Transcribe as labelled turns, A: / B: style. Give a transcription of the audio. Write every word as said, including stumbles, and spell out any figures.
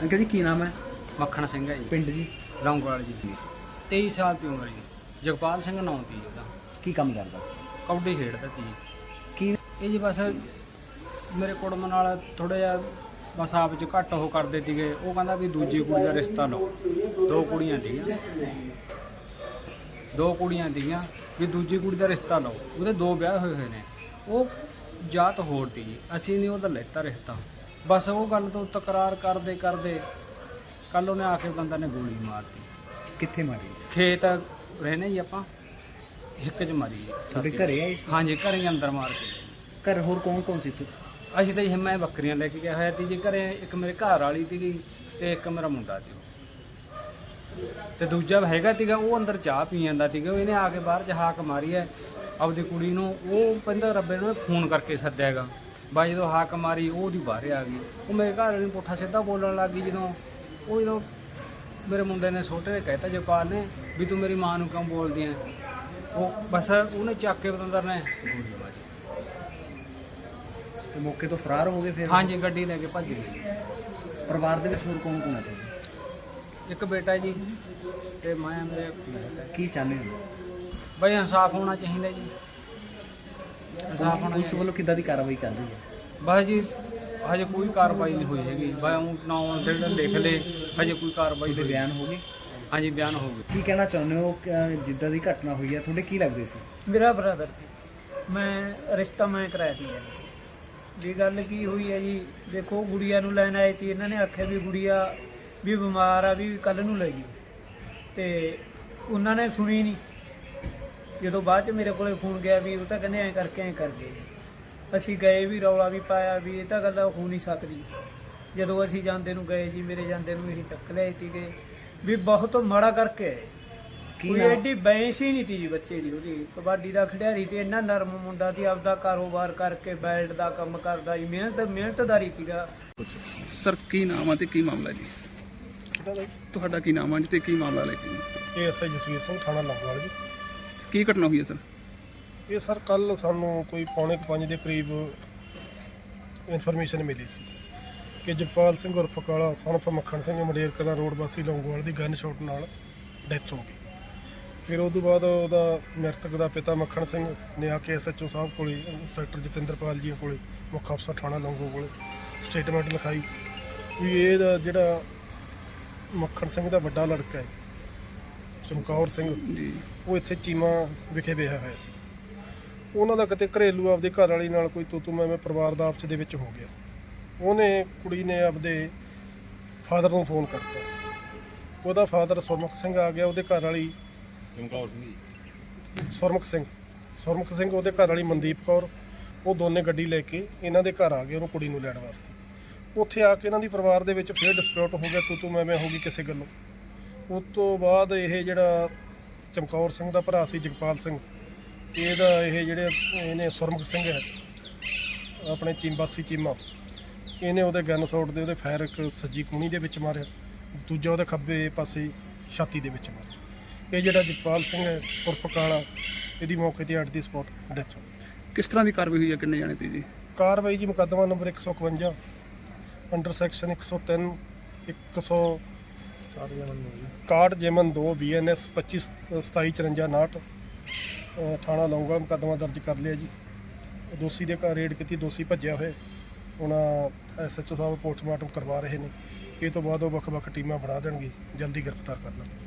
A: Uncle जी की नाम है?
B: ਮੱਖਣ ਸਿੰਘ ਹੈ ਜੀ,
A: पिंड जी
B: ਲੌਂਗੋਵਾਲ ਜੀ। ਤੇਈ ਸਾਲ ਦੀ ਉਮਰ ਜੀ। ਜਗਪਾਲ ਸਿੰਘ ਨਾਂ ਦੀ ਉਹਦਾ।
A: की काम करता?
B: ਕਬੱਡੀ ਖੇਡਦਾ ਸੀ ਜੀ।
A: की
B: ਇਹ ਜੀ ਬਸ ਮੇਰੇ ਕੁੜਮ ਨਾਲ ਥੋੜਾ ਜਿਹਾ ਬਸ ਆਪ 'ਚ ਘੱਟ ਉਹ ਕਰਦੇ ਸੀਗੇ। ਉਹ ਕਹਿੰਦਾ ਵੀ ਦੂਜੀ ਕੁੜੀ ਦਾ ਰਿਸ਼ਤਾ ਲਓ। ਦੋ ਕੁੜੀਆਂ ਸੀਗੀਆਂ ਦੋ ਕੁੜੀਆਂ ਸੀਗੀਆਂ ਵੀ ਦੂਜੀ ਕੁੜੀ ਦਾ ਰਿਸ਼ਤਾ ਲਓ। ਉਹਦੇ ਦੋ ਵਿਆਹ ਹੋਏ ਹੋਏ ਨੇ। ਉਹ ਜਾਤ ਹੋਰ ਤੀ ਜੀ, ਅਸੀਂ ਨਹੀਂ ਉਹਦਾ ਲੈਤਾ ਰਿਸ਼ਤਾ। ਬਸ ਉਹ ਗੱਲ ਤੋਂ ਤਕਰਾਰ ਕਰਦੇ ਕਰਦੇ ਕੱਲ ਉਹਨੇ ਆ ਕੇ ਬੰਦਾ ਨੇ ਗੋਲੀ ਮਾਰਤੀ।
A: कित्थे मारी?
B: ਖੇਤ ਰਹਿੰਦੇ ਜੀ ਆਪਾਂ, ਹਿੱਕ 'ਚ ਮਾਰੀ ਜੀ।
A: ਤੁਹਾਡੇ ਘਰੇ ਆਏ ਸੀ?
B: ਹਾਂਜੀ, ਘਰੇ ਹੀ ਅੰਦਰ ਮਾਰ ਕੇ।
A: घर होर कौन कौन सी तू?
B: ਅਸੀਂ ਤਾਂ ਜੀ ਮੈਂ ਬੱਕਰੀਆਂ ਲੈ ਕੇ ਗਿਆ ਹੋਇਆ ਸੀ ਜੀ ਘਰੇ। ਇੱਕ ਮੇਰੇ ਘਰ ਵਾਲੀ ਸੀਗੀ ਤੇ ਇੱਕ ਮੇਰਾ ਮੁੰਡਾ ਸੀ ਤੇ ਦੂਜਾ ਹੈਗਾ ਸੀਗਾ, ਉਹ ਅੰਦਰ ਚਾਹ ਪੀ ਜਾਂਦਾ ਸੀਗਾ। ਇਹਨੇ ਆ ਕੇ ਬਾਹਰ 'ਚ ਹਾਕ ਮਾਰੀ ਹੈ ਆਪਦੀ ਕੁੜੀ ਨੂੰ। ਉਹ ਕਹਿੰਦਾ ਰੱਬੇ ਨੂੰ ਫੋਨ ਕਰਕੇ ਸੱਦਿਆ ਹੈਗਾ। ਬਾਈ ਜਦੋਂ ਹਾਕ ਮਾਰੀ ਉਹ ਉਹਦੀ ਬਾਹਰ ਆ ਗਈ। ਉਹ ਮੇਰੇ ਘਰ ਵਾਲੀ ਨੂੰ ਪੁੱਠਾ ਸਿੱਧਾ ਬੋਲਣ ਲੱਗ ਗਈ। ਜਦੋਂ ਉਹ ਜਦੋਂ ਮੇਰੇ ਮੁੰਡੇ ਨੇ ਛੋਟੇ ਨੇ ਕਹਿਤਾ ਜਪਾਲ ਨੇ ਵੀ ਤੂੰ ਮੇਰੀ ਮਾਂ ਨੂੰ ਕਿਉਂ ਬੋਲਦੀ ਐ, ਉਹ ਬਸ ਉਹਨੇ ਚੱਕ ਕੇ ਬਤੰਦਰ ਨੇ ਗੋਲੀ ਮਾਰੀ।
A: ਤੇ ਮੌਕੇ ਤੋਂ ਫਰਾਰ ਹੋ ਗਏ ਫਿਰ?
B: ਹਾਂਜੀ, ਗੱਡੀ ਲੈ ਕੇ ਭੱਜ ਗਈ।
A: ਪਰਿਵਾਰ ਦੇ ਵਿੱਚ ਹੋਰ ਕੌਣ ਕੌਣ ਹੈ?
B: ਇੱਕ ਬੇਟਾ ਜੀ ਤੇ ਮੈਂ ਮੇਰੇ
A: ਕੀ ਚਾਹੁੰਦੇ ਹੋ?
B: ਬਈ ਇਨਸਾਫ ਹੋਣਾ ਚਾਹੀਦਾ ਜੀ, ਇਨਸਾਫ ਹੋਣਾ
A: ਪੁਲਿਸ
B: ਚਾਹੀਦਾ।
A: ਵੱਲੋਂ ਕਿੱਦਾਂ ਦੀ ਕਾਰਵਾਈ ਚੱਲ ਰਹੀ ਹੈ?
B: ਬਸ ਜੀ ਹਜੇ ਕੋਈ ਕਾਰਵਾਈ ਨਹੀਂ ਹੋਈ ਹੈਗੀ। ਬਈ ਉਹ ਨਾਂ ਜਿਹੜੇ ਲਿਖ ਲਏ, ਹਜੇ ਕੋਈ ਕਾਰਵਾਈ
A: ਤੁਹਾਡੇ
B: ਹੋਈ।
A: ਬਿਆਨ ਹੋ ਗਏ?
B: ਹਾਂਜੀ, ਬਿਆਨ ਹੋ ਗਏ।
A: ਕੀ ਕਹਿਣਾ ਚਾਹੁੰਦੇ ਹੋ ਕਿ ਜਿੱਦਾਂ ਦੀ ਘਟਨਾ ਹੋਈ ਹੈ ਤੁਹਾਡੇ ਕੀ ਲੱਗਦੇ ਸੀ?
C: ਮੇਰਾ ਬ੍ਰਦਰ ਸੀ। ਮੈਂ ਰਿਸ਼ਤਾ ਮੈਂ ਕਰਾਇਆ ਸੀ ਜੀ। ਗੱਲ ਕੀ ਹੋਈ ਹੈ ਜੀ, ਦੇਖੋ ਗੁੜੀਆ ਨੂੰ ਲੈਣ ਆਏ ਸੀ। ਇਹਨਾਂ ਨੇ ਆਖਿਆ ਵੀ ਗੁੜੀਆ ਵੀ ਬਿਮਾਰ ਆ, ਵੀ ਕੱਲ ਨੂੰ ਲੈ ਜੀ। ਤੇ ਉਹਨਾਂ ਨੇ ਸੁਣੀ ਨਹੀਂ। ਜਦੋਂ ਬਾਅਦ ਚ ਮੇਰੇ ਕੋਲੇ ਫੋਨ ਗਿਆ ਵੀ ਉਹ ਤਾਂ ਕਹਿੰਦੇ ਐਂ ਕਰਕੇ ਐਂ ਕਰ ਗਏ। ਅਸੀਂ ਗਏ ਵੀ, ਰੌਲਾ ਵੀ ਪਾਇਆ ਵੀ ਇਹ ਤਾਂ ਗੱਲ ਹੋ ਨਹੀਂ ਸਕਦੀ। ਜਦੋਂ ਅਸੀਂ ਜਾਂਦੇ ਨੂੰ ਗਏ ਜੀ, ਮੇਰੇ ਜਾਂਦੇ ਨੂੰ ਇਹ ਚੱਕ ਲਿਆਏ ਸੀਗੇ ਵੀ ਬਹੁਤ ਮਾੜਾ ਕਰਕੇ ਆਏ।
A: ਕੀ
C: ਕੋਈ
A: ਨਾਮ?
C: ਐਡੀ ਬੈਂਸ ਹੀ ਨਹੀਂ ਤੀ ਜੀ ਬੱਚੇ ਦੀ। ਉਹਦੀ ਕਬੱਡੀ ਦਾ ਖਿਡਾਰੀ ਤੇ ਇੰਨਾ ਨਰਮ ਮੁੰਡਾ ਸੀ, ਆਪਦਾ ਕਾਰੋਬਾਰ ਕਰਕੇ ਬੈਲਟ ਦਾ ਕੰਮ ਕਰਦਾ ਜੀ। ਮਿਹਨਤ ਮਿਹਨਤਦਾਰੀ ਸੀਗਾ।
D: ਸਰ ਕੀ ਨਾਮ ਆ ਤੇ ਕੀ ਮਾਮਲਾ ਜੀ? ਤੁਹਾਡਾ ਕੀ ਨਾਮ ਆ ਜੀ ਤੇ ਕੀ ਮਾਮਲਾ ਲੈ ਕੇ?
E: ਇਹ ਐਸਆਈ ਜਸਵੀਰ ਸਿੰਘ, ਥਾਣਾ ਲੌਂਗੋਵਾਲ ਜੀ।
D: ਕੀ ਘਟਨਾ ਹੋਈ ਹੈ ਸਰ?
E: ਇਹ ਸਰ ਕੱਲ ਸਾਨੂੰ ਕੋਈ ਪੌਣੇ ਕੁ ਪੰਜ ਦੇ ਕਰੀਬ ਇਨਫੋਰਮੇਸ਼ਨ ਮਿਲੀ ਸੀ ਕਿ ਜਗਪਾਲ ਸਿੰਘ ਉਰਫ ਕਾਲਾ ਸਨਫ ਮੱਖਣ ਸਿੰਘ ਮੰਡੇਰ ਕਲਾਂ ਰੋਡ ਵਾਸੀ ਲੌਂਗੋਵਾਲ ਦੀ ਗਨ ਸ਼ਾਟ ਨਾਲ ਡੈਥ ਹੋ ਗਈ। ਫਿਰ ਉਸ ਤੋਂ ਬਾਅਦ ਉਹਦਾ ਮ੍ਰਿਤਕ ਦਾ ਪਿਤਾ ਮੱਖਣ ਸਿੰਘ ਨੇ ਆ ਕੇ ਐਸਐਚਓ ਸਾਹਿਬ ਕੋਲੇ, ਇੰਸਪੈਕਟਰ ਜਤਿੰਦਰਪਾਲ ਜੀ ਕੋਲੇ, ਮੁੱਖ ਅਫਸਰ ਥਾਣਾ ਲੌਂਗੋ ਕੋਲੇ ਸਟੇਟਮੈਂਟ ਲਿਖਾਈ ਵੀ ਇਹਦਾ ਜਿਹੜਾ ਮੱਖਣ ਸਿੰਘ ਦਾ ਵੱਡਾ ਲੜਕਾ ਹੈ ਚਮਕੌਰ ਸਿੰਘ
D: ਜੀ,
E: ਉਹ ਇੱਥੇ ਚੀਮਾ ਵਿਖੇ ਵਿਆਹਿਆ ਹੋਇਆ ਸੀ। ਉਹਨਾਂ ਦਾ ਕਿਤੇ ਘਰੇਲੂ ਆਪਦੇ ਘਰ ਵਾਲੀ ਨਾਲ ਕੋਈ ਤੂੰ ਤੂੰ ਮੈਂ ਮੈਂ ਪਰਿਵਾਰ ਦਾ ਆਪਸ ਦੇ ਵਿੱਚ ਹੋ ਗਿਆ। ਉਹਨੇ ਕੁੜੀ ਨੇ ਆਪਦੇ ਫਾਦਰ ਨੂੰ ਫੋਨ ਕਰਤਾ। ਉਹਦਾ ਫਾਦਰ ਸੁਰਮੁਖ ਸਿੰਘ ਆ ਗਿਆ। ਉਹਦੇ ਘਰ ਵਾਲੀ ਚਮਕੌਰ ਸਿੰਘ ਸੁਰਮੁਖ ਸਿੰਘ ਸੁਰਮੁਖ ਸਿੰਘ ਉਹਦੇ ਘਰ ਵਾਲੀ ਮਨਦੀਪ ਕੌਰ, ਉਹ ਦੋਨੇ ਗੱਡੀ ਲੈ ਕੇ ਇਹਨਾਂ ਦੇ ਘਰ ਆ ਗਏ ਉਹਨੂੰ ਕੁੜੀ ਨੂੰ ਲੈਣ ਵਾਸਤੇ। ਉੱਥੇ ਆ ਕੇ ਇਹਨਾਂ ਦੀ ਪਰਿਵਾਰ ਦੇ ਵਿੱਚ ਫਿਰ ਡਿਸਪਿਊਟ ਹੋ ਗਿਆ, ਤੂੰ ਤੂੰ ਮੈਂ ਮੈਂ ਹੋ ਗਈ ਕਿਸੇ ਗੱਲੋਂ। ਉਸ ਤੋਂ ਬਾਅਦ ਇਹ ਜਿਹੜਾ ਚਮਕੌਰ ਸਿੰਘ ਦਾ ਭਰਾ ਸੀ ਜਗਪਾਲ ਸਿੰਘ, ਇਹਦਾ ਇਹ ਜਿਹੜੇ ਇਹਨੇ ਸੁਰਮੁਖ ਸਿੰਘ ਹੈ ਆਪਣੇ ਚੀਮਬਾਸੀ ਚੀਮਾ, ਇਹਨੇ ਉਹਦੇ ਗਨ ਸ਼ਾਟ ਦੇ ਉਹਦੇ ਫਾਇਰ ਇੱਕ ਸੱਜੀ ਕੂਣੀ ਦੇ ਵਿੱਚ ਮਾਰਿਆ, ਦੂਜਾ ਉਹਦੇ ਖੱਬੇ ਪਾਸੇ ਛਾਤੀ ਦੇ ਵਿੱਚ ਮਾਰਿਆ। ਇਹ ਜਿਹੜਾ ਜਗਪਾਲ ਸਿੰਘ ਹੈ ਉਰਫ ਕਾਲਾ, ਇਹਦੀ ਮੌਕੇ ਤੇ ਅੱਡ ਦੀ ਸਪੌਟ ਡੈਥ ਹੋ ਗਈ।
D: ਕਿਸ ਤਰ੍ਹਾਂ ਦੀ ਕਾਰਵਾਈ ਹੋਈ ਹੈ? ਕਿੰਨੇ ਜਾਣੇ ਤੇ ਜੀ?
E: ਕਾਰਵਾਈ ਜੀ ਮੁਕੱਦਮਾ ਨੰਬਰ ਇੱਕ ਸੌ ਇਕਵੰਜਾ ਅੰਡਰ ਸੈਕਸ਼ਨ ਇੱਕ ਸੌ ਤਿੰਨ ਇੱਕ ਸੌ ਇਕਾਹਠ ਜੇਮਨ ਦੋ ਬੀ ਐਨ ਐਸ ਪੱਚੀ ਸਤਾਈ ਚੁਰੰਜਾ ਉਨਾਹਠ ਥਾਣਾ ਲੌਂਗੋਵਾਲ ਮੁਕੱਦਮਾ ਦਰਜ ਕਰ ਲਿਆ ਜੀ। ਦੋਸ਼ੀ ਦੇ ਘਰ ਰੇਡ ਕੀਤੀ, ਦੋਸ਼ੀ ਭੱਜਿਆ ਹੋਇਆ। ਉਹਨਾਂ ਐਸਐਚਓ ਸਾਹਿਬ ਪੋਸਟਮਾਰਟਮ ਕਰਵਾ ਰਹੇ ਨੇ। ਇਹ ਤੋਂ ਬਾਅਦ ਉਹ ਵੱਖ ਵੱਖ ਟੀਮਾਂ ਬਣਾ ਦੇਣਗੇ, ਜਲਦੀ ਗ੍ਰਿਫਤਾਰ ਕਰਨਾ।